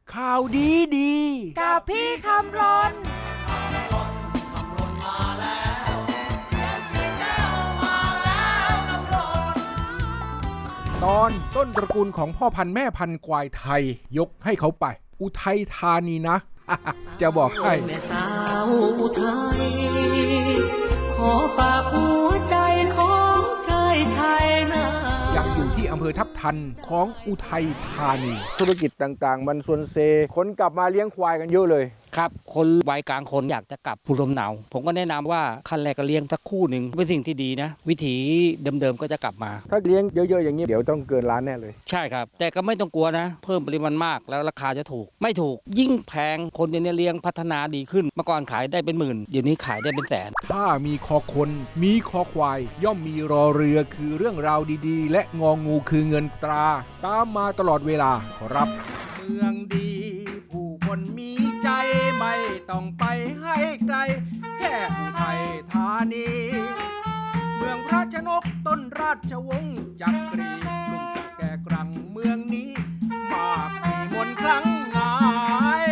ข่าวดีดีกับพี่คำรนตอนต้นตระกูลของพ่อพันธุ์แม่พันธุ์ควายไทยยกให้เขาไป อุทัยธานีนะ จะบอกให้แม่สาวอุทัยขอฝากหัวใจของชายไทยนะยังอยู่ที่อำเภอทับทันของอุทัยธานีธุรกิจต่างๆมันส่วนเซคนกลับมาเลี้ยงควายกันเยอะเลยครับคนวัยกลางคนอยากจะกลับภูมิลำเนาผมก็แนะนำว่าขั้นแรกก็เลี้ยงสักคู่หนึ่งเป็นสิ่งที่ดีนะวิถีเดิมๆก็จะกลับมาถ้าเลี้ยงเยอะๆอย่างนี้เดี๋ยวต้องเกินล้านแน่เลยใช่ครับแต่ก็ไม่ต้องกลัวนะเพิ่มปริมาณมากแล้วราคาจะถูกไม่ถูกยิ่งแพงคนเดี๋ยวนี้เลี้ยงพัฒนาดีขึ้นเมื่อก่อนขายได้เป็นหมื่นเดี๋ยวนี้ขายได้เป็นแสนถ้ามีคอคนมีคอควายย่อมมีรอเรือคือเรื่องราวดีๆและงองูคือเงินตราตามมาตลอดเวลาขอรับเมืองดีผู้คนมีใจไม่ต้องไปให้ไกลแค่อุทัยธานีเมืองพระชนกต้นราชวงศ์จักรีลุ่มสักแก่กรังเมืองนี้มากมีมนต์ครั้งงาย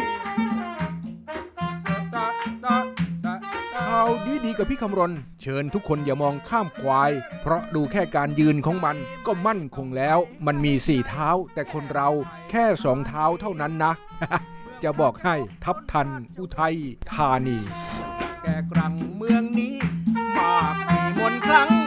ข่าวดีๆกับพี่คำรณเชิญทุกคนอย่ามองข้ามควายเพราะดูแค่การยืนของมันก็มั่นคงแล้วมันมี4เท้าแต่คนเราแค่2เท้าเท่านั้นนะ จะบอกให้ทับทันอุทัยธานีแก่กรังเมืองนี้มากมีมนต์ครั้ง